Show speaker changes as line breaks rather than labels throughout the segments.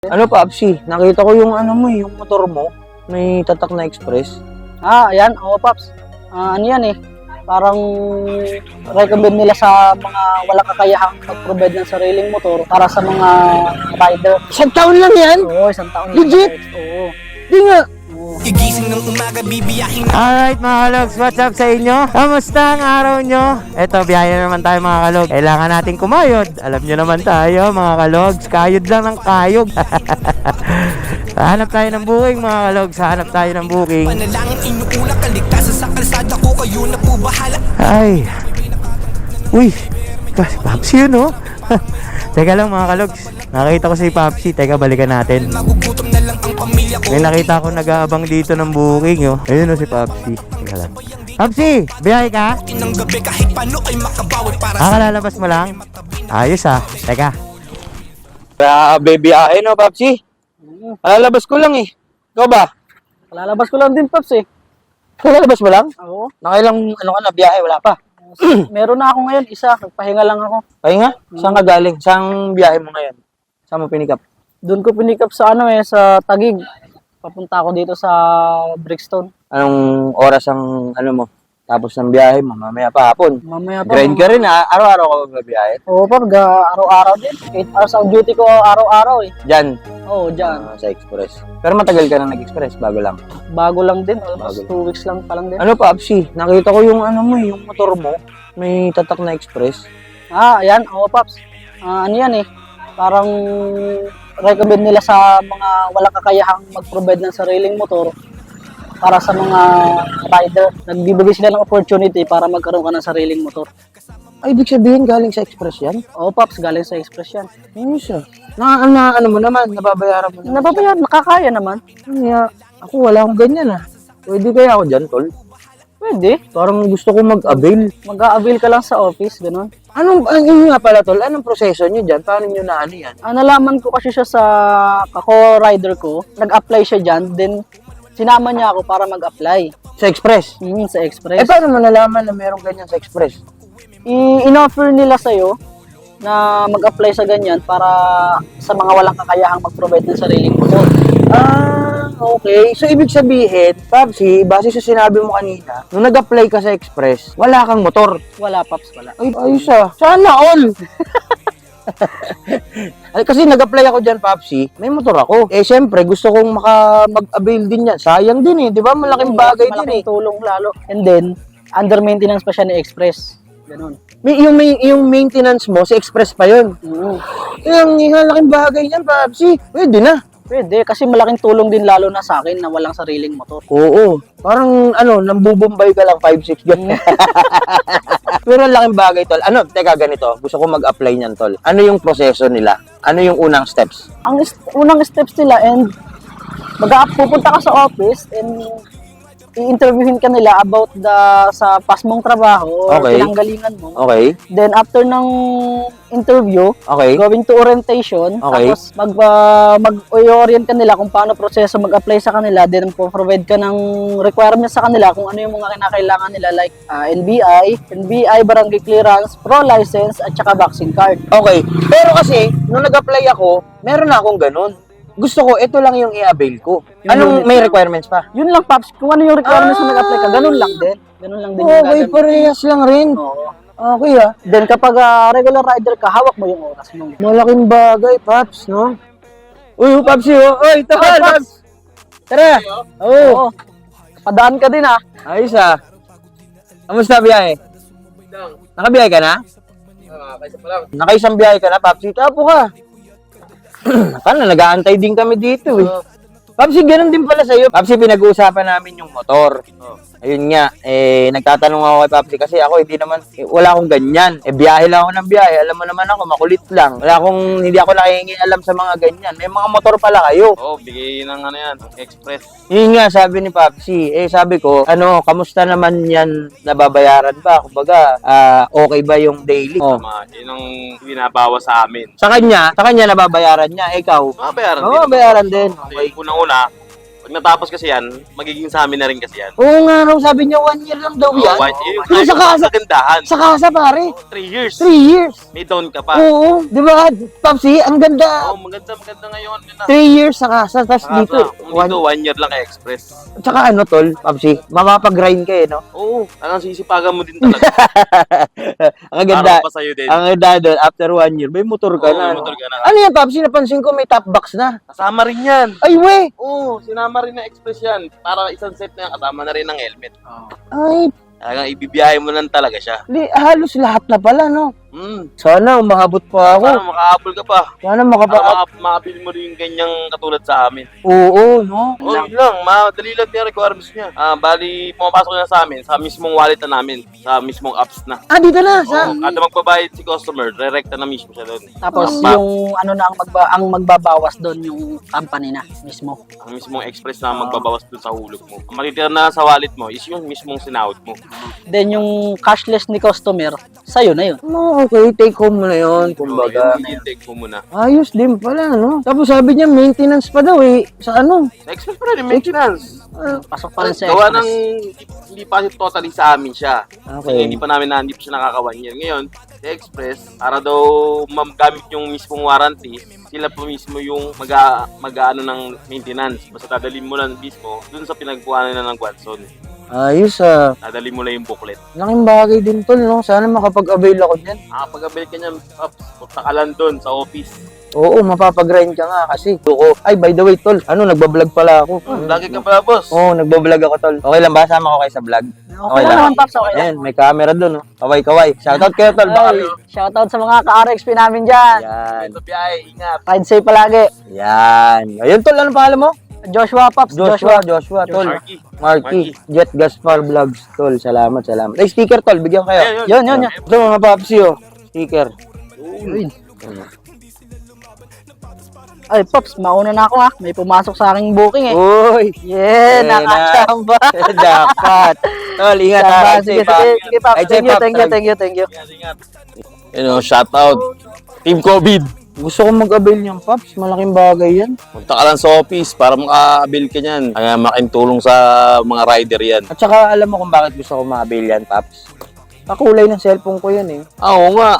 Ano pa, Apsi? Nakita ko yung ano mo, yung motor mo. May tatak na express.
Ayan. Oo, Paps. Ano yan eh. Parang recommend nila sa mga walang kakayahang mag-provide ng sariling motor para sa mga rider.
Isang taon lang yan?
Oo, isang taon.
Legit?
Oo.
Di nga.
Gigising ng umaga, bibiyahin.
Alright mga kalogs, what's up sa inyo? Kamusta ang araw nyo? Eto, biyahe na naman tayo mga kalogs. Kailangan natin kumayod. Alam nyo naman tayo mga kalogs, kayod lang ng kayog. Hanap tayo ng booking mga kalogs, hanap tayo ng booking.
Panalangin inuulak, kaligtasan sa kalsada ko, kayo na po bahala.
Ay, uy, Papsi yun oh. Teka lang mga kalogs, nakita ko si Papsi. Teka, balikan natin.
Magugutom na lang ang pamilya ko.
May nakita ko nag-aabang dito ng booking oh. Ayun oh si Papsi. Teka lang. Papsi, biyahe ka?
Ng gabi kahit paano ay makabawi para sa
Kalalabas mo lang? Ayos ah. Teka.
Baby, no, Papsi? Lalabas ko lang eh. Ikaw ba?
Lalabas ko lang din, Paps eh.
Lalabas mo lang?
Oo.
Nakailang ano ka na, biyahe, wala pa.
Meron na ako ngayon, isa. Nagpahinga lang ako.
Ay nga, saan ka galing? Saan biyahe mo ngayon? Saan mo pinikap?
Doon ko pinikap sa sa Taguig. Papunta ako dito sa Brixton.
Anong oras ang ano mo? Tapos ng biyahe mo, mamaya pa hapon.
Mamaya pa.
Grind ka rin ha, araw-araw ka magbiyahe.
Oo, Pap. Araw-araw din. 8 hours ang duty ko araw-araw eh.
Diyan,
Oo, dyan.
sa express. Pero matagal ka na nag-express, bago lang.
Bago lang din. Almost
Bago.
2 weeks lang pa lang din.
Ano pa, Apsi? Nakita ko yung ano mo, yung motor mo. May tatak na express.
Ayan. Oo, Paps. Ano yan eh. Parang recommend nila sa mga walang kakayahang mag-provide ng sariling motor para sa mga rider. Nagbibigay sila ng opportunity para magkaroon ka ng sariling motor.
Ay, ibig sabihin galing sa express yan?
Oo, Paps. Galing sa Express yan.
Ano siya? Ano mo naman, nababayaran mo naman.
Nababayan, nakakaya naman.
Kaya, ako wala akong ganyan ah. Pwede kaya ako dyan, tol?
Pwede.
Parang gusto ko mag-avail.
Mag-a-avail ka lang sa office, ganun.
Yun nga pala, tol, anong proseso nyo dyan? Paano nyo na ano yan?
Nalaman ko kasi siya sa kako-rider ko. Nag-apply siya dyan, then sinama niya ako para mag-apply.
Sa express?
Sa
Eh,
Express.
paano malalaman na merong ganyan sa express?
In-offer nila sa'yo na mag-apply sa ganyan para sa mga walang kakayahang mag-provide ng sariling motor.
Okay. So, ibig sabihin, Papsi, base sa sinabi mo kanina, nung nag-apply ka sa express, wala kang motor.
Wala, Paps, wala.
Ay, ayos ah. Sana all! Ay, kasi nag-apply ako dyan, Papsi, may motor ako. Eh, syempre, gusto kong mag-avail din yan. Sayang din eh, di ba? Malaking bagay din eh.
Malaking tulong lalo. And then, under maintenance pa siya ni Express. Ganun.
Yung maintenance mo, si express pa yun. Eh, ang laking bagay yan, Papsi. Pwede na.
Pwede, kasi malaking tulong din lalo na sa akin na walang sariling motor.
Oo. Parang, nambubumbay ka lang 5'6", gano'n. Pero ang laking bagay, tol. Teka, ganito. Gusto ko mag-apply niyan, tol. Ano yung proseso nila? Ano yung unang steps?
Ang unang steps nila and pupunta ka sa office and i-interviewin ka nila about sa past mong trabaho or
Okay.
pinanggalingan mo.
Okay.
Then after ng interview,
Okay.
going to orientation,
Okay.
tapos mag-orient ka nila kung paano proseso mag-apply sa kanila, then provide ka ng requirements sa kanila kung ano yung mga kinakailangan nila like NBI, barangay clearance, pro license, at saka vaccine card.
Okay. Pero kasi, nung nag-apply ako, meron na akong ganun. Gusto ko, ito lang yung i-avail ko. Anong
unit
may
lang.
requirements pa?
Yun lang, Paps. Kung ano yung requirements na nag-apply ka, ganun lang din. Ganun lang din yung
Okay,
gagawin.
parehas lang rin.
Oo.
Okay ah.
Then kapag regular rider ka, hawak mo yung oras mo.
Malaking bagay, Paps, no? Uy, Papsi, oh. Uy, ito ka, Paps. Tara.
Oo. Padaan ka din ah.
Ayos ah. Kamusta biyahe? Nakabiyahe ka na? Nakaisang biyahe ka na, Papsi. Tapo ka. Paano, nag-aantay din kami dito eh. Papsi, ganun din pala sa'yo. Papsi, pinag-uusapan namin yung motor. Ayun nga, nagtatanong ako kay Papsi kasi ako wala akong ganyan. Biyahe lang ako ng biyahe. Alam mo naman ako, makulit lang. Hindi ako nakikialam sa mga ganyan. May mga motor pala kayo.
Oo, bigay ng express.
Yun nga, sabi ni Papsi. Sabi ko, kamusta naman yan nababayaran ba? Kumbaga, okay ba yung daily? Oh.
Tama, yun ang binabawas sa amin.
Sa kanya nababayaran niya. Ikaw?
Mabayaran
Oo, bayaran din.
Okay. Unang-una, Pag natapos kasi yan, magiging sa amin na rin kasi yan.
Oo nga raw, sabi niya 1 year lang daw yan. Pero sa kasa,
kagandahan.
sa kasa pare,
3 years.
3 years.
May down ka pa.
Oo, di ba? Papsi, ang ganda.
Oo, maganda ngayon.
3 years sa kasa, tapos dito,
Dito, 1 year lang kay Express.
Tsaka ano tol, Papsi, mamapag-grind ka no?
Oo, talagang sisipagan mo din talaga.
Ang ganda.
Para pa sa'yo din.
Ang ganda doon, after 1 year, may motor ka
Oo,
na.
may motor ka na.
Ano yan, Papsi? Napansin ko may top box na.
Kasama rin yan.
Ay, we!
Oo, sinama rin na Express yan. Para isang set na yan, kasama na rin ng helmet.
Ay,
Talagang ibibiyahe mo lang talaga siya.
halos lahat na pala, no?
Sana
Sana umahabot pa ako.
makahabol ka pa.
Sana
Para
makapa...
makabili mo rin yung ganyang katulad sa amin.
Oo, no?
Oo, yun lang. Madali lang yung requirements niya. Bali, pumapasok na sa amin, sa mismong wallet na namin, sa mismong apps na.
Ah, dito na. Sa...
Oo, kada magbabayad si customer, direkta na mismo siya doon.
Tapos
Pa-
yung ano na ang magbabawas doon yung company na mismo.
Ang mismong express na magbabawas doon sa hulog mo. Ang matitira na sa wallet mo is yung mismong sinahod mo.
Then yung cashless ni customer, sa'yo na yun.
No, okay, take home mo na yun, kumbaga.
Yun, i-take mo muna.
Ayos din pala, no? Tapos sabi niya, maintenance pa daw eh. Sa ano?
Sa express pa rin, maintenance.
Pasok pa rin sa
Gawa
express.
ng hindi pa totally sa amin siya. Kasi
Okay.
hindi pa hindi pa siya nakaka-1 year. Ngayon, sa Express, para daw magamit yung mismong warranty, sila po mismo yung mag-ano ng maintenance. Basta dadalhin mo lang mismo dun sa pinagkuhanan na ng Watson.
Ayos ah.
Dadalhin mo lang yung booklet.
Laking bagay din tol, no? Sana makapag-avail ako dyan.
Nakapag-avail ka niyan, punta ka lang dun sa office.
Oo, mapapag-grind ka nga kasi. Oo. Ay, by the way, tol, ano, nagbablog pala ako.
Lagi ka pala, boss.
Oo, nagbablog ako, tol. Okay lang ba? Sama ko kayo sa vlog?
Okay lang naman, Paps. Okay lang.
Ayan, may camera dun, no? Kaway-kaway. Shoutout kayo, tol. Baka...
Ay, shoutout sa mga ka-RXP namin dyan.
Yan.
Ito biyahe, ingat.
Ride safe palagi.
Yan. Ayun, tol, anong pangalan mo?
Joshua, Paps.
Joshua, tol. Marky. Jet Gaspar Vlogs, tol. Salamat. Ay, sticker, tol. Bigyan kayo.
Yun.
Ito, mga papsi, oh. Sticker.
Ay, Paps, mauna na ako ha. May pumasok sa aking booking eh.
Uy.
Yeah,
na.
nakachamba.
Dapat. Tol, ingat ha.
Sige, Paps.
Ay,
Thank you.
Ingat. Shout out. Team COVID.
Gusto kong mag-avail niyang, Paps. Malaking bagay yan.
Punta ka lang sa office para maka-avail ka niyan. Kaya makintulong sa mga rider yan.
At saka alam mo kung bakit gusto ko ma-avail yan, Paps. Kakulay ng cellphone ko yan eh.
Oo nga.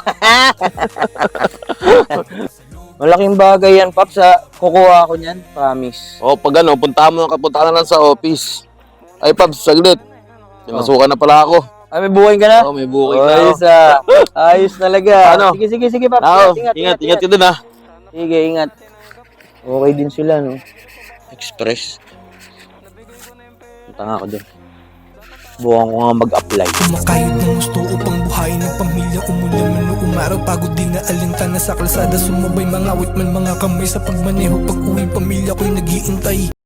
Malaking bagay yan, Paps. Kukuha ako niyan. Promise.
O pag punta ka na lang sa office. Ay Pabs, saglit. Pinasukan na pala ako.
Ay, may buhay ka na?
Oo, may booking na ako.
Ayos Ayos talaga.
Ano?
Sige, Paps.
Ingat ka dun ha.
Sige, ingat. Okay din sila, no? Express. Punta nga ako dun. Bukan ko nga mag-apply.
Kumakayod ng gusto upang buhayin ng pamilya. Umulan man o umaraw, pagod din na alintana sa kalsada. Sumabay mga awit man mga kamay sa pagmaneho. Pag uwi pamilya ko'y nag-iintay.